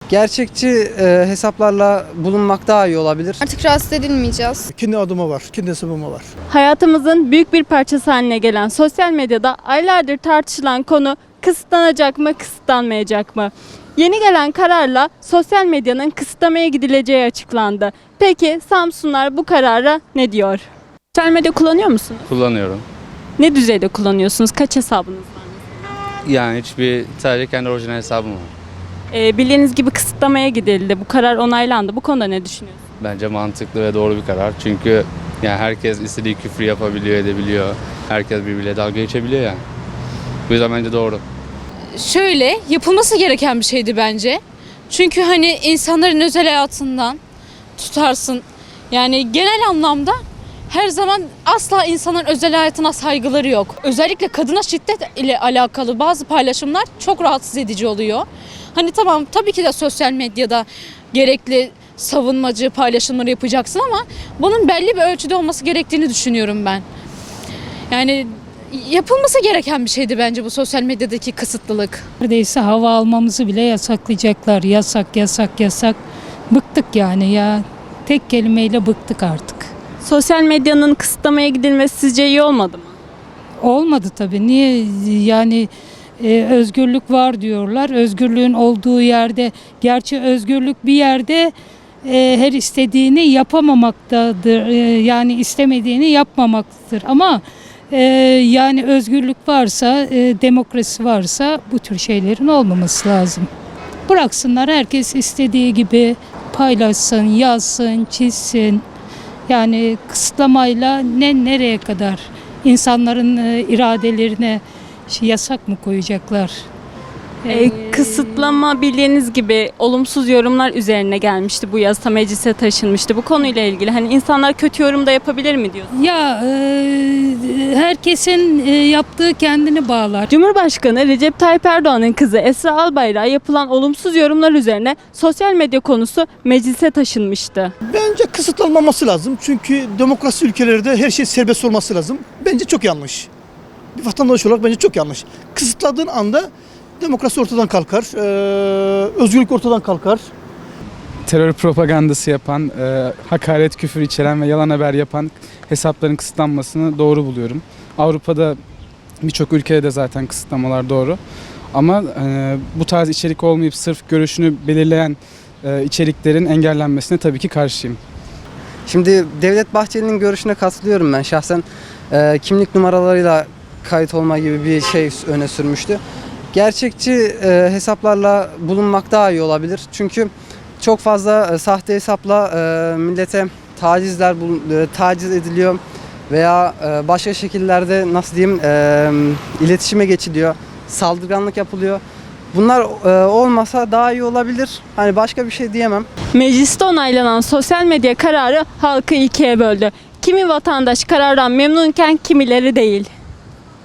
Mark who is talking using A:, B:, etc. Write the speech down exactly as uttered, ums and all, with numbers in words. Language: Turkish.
A: Gerçekçi e, hesaplarla bulunmak daha iyi olabilir.
B: Artık rahatsız edilmeyeceğiz.
C: Kendi adıma var, kendi hesabıma var.
D: Hayatımızın büyük bir parçası haline gelen sosyal medyada aylardır tartışılan konu kısıtlanacak mı, kısıtlanmayacak mı? Yeni gelen kararla sosyal medyanın kısıtlamaya gidileceği açıklandı. Peki Samsunlar bu karara ne diyor? Sosyal medya kullanıyor musunuz?
E: Kullanıyorum.
D: Ne düzeyde kullanıyorsunuz? Kaç hesabınız var?
E: Yani hiçbir sadece kendi orijinal hesabım var.
D: Ee, bildiğiniz gibi kısıtlamaya gidildi. Bu karar onaylandı. Bu konuda ne düşünüyorsunuz?
E: Bence mantıklı ve doğru bir karar. Çünkü yani herkes istediği küfrü yapabiliyor, edebiliyor. Herkes birbiriyle dalga geçebiliyor yani. Bu yüzden bence doğru.
F: Şöyle yapılması gereken bir şeydi bence. Çünkü hani insanların özel hayatından tutarsın. Yani genel anlamda her zaman asla insanların özel hayatına saygıları yok. Özellikle kadına şiddet ile alakalı bazı paylaşımlar çok rahatsız edici oluyor. Hani tamam tabii ki de sosyal medyada gerekli savunmacı paylaşımları yapacaksın ama bunun belli bir ölçüde olması gerektiğini düşünüyorum ben. Yani yapılması gereken bir şeydi bence bu sosyal medyadaki kısıtlılık.
G: Neredeyse hava almamızı bile yasaklayacaklar. Yasak, yasak, yasak. Bıktık yani ya. Tek kelimeyle bıktık artık.
D: Sosyal medyanın kısıtlamaya gidilmesi sizce iyi olmadı mı?
G: Olmadı tabii. Niye yani e, özgürlük var diyorlar. Özgürlüğün olduğu yerde, gerçi özgürlük bir yerde e, her istediğini yapamamaktadır. E, yani istemediğini yapmamaktır. Ama e, yani özgürlük varsa, e, demokrasi varsa bu tür şeylerin olmaması lazım. Bıraksınlar, herkes istediği gibi paylaşsın, yazsın, çizsin. Yani kısıtlamayla ne nereye kadar insanların e, iradelerine şey, yasak mı koyacaklar?
D: Ee, kısıtlama bildiğiniz gibi olumsuz yorumlar üzerine gelmişti. Bu yasa meclise taşınmıştı. Bu konuyla ilgili hani insanlar kötü yorum da yapabilir mi diyorsunuz?
G: Ya e, herkesin e, yaptığı kendini bağlar.
D: Cumhurbaşkanı Recep Tayyip Erdoğan'ın kızı Esra Albayrak'a yapılan olumsuz yorumlar üzerine sosyal medya konusu meclise taşınmıştı.
C: Bence kısıtlanmaması lazım. Çünkü demokrasi ülkelerde her şey serbest olması lazım. Bence çok yanlış. Bir vatandaş olarak bence çok yanlış. Kısıtladığın anda demokrasi ortadan kalkar, ee, özgürlük ortadan kalkar.
H: Terör propagandası yapan, e, hakaret, küfür içeren ve yalan haber yapan hesapların kısıtlanmasını doğru buluyorum. Avrupa'da birçok ülkede de zaten kısıtlamalar doğru. Ama e, bu tarz içerik olmayıp sırf görüşünü belirleyen e, içeriklerin engellenmesine tabii ki karşıyım.
A: Şimdi Devlet Bahçeli'nin görüşüne katılıyorum ben. Şahsen e, kimlik numaralarıyla kayıt olma gibi bir şey öne sürmüştü. Gerçekçi e, hesaplarla bulunmak daha iyi olabilir. Çünkü çok fazla e, sahte hesapla e, millete tacizler e, taciz ediliyor veya e, başka şekillerde nasıl diyeyim e, iletişime geçiliyor, saldırganlık yapılıyor. Bunlar e, olmasa daha iyi olabilir. Hani başka bir şey diyemem.
D: Mecliste onaylanan sosyal medya kararı halkı ikiye böldü. Kimi vatandaş karardan memnunken kimileri değil.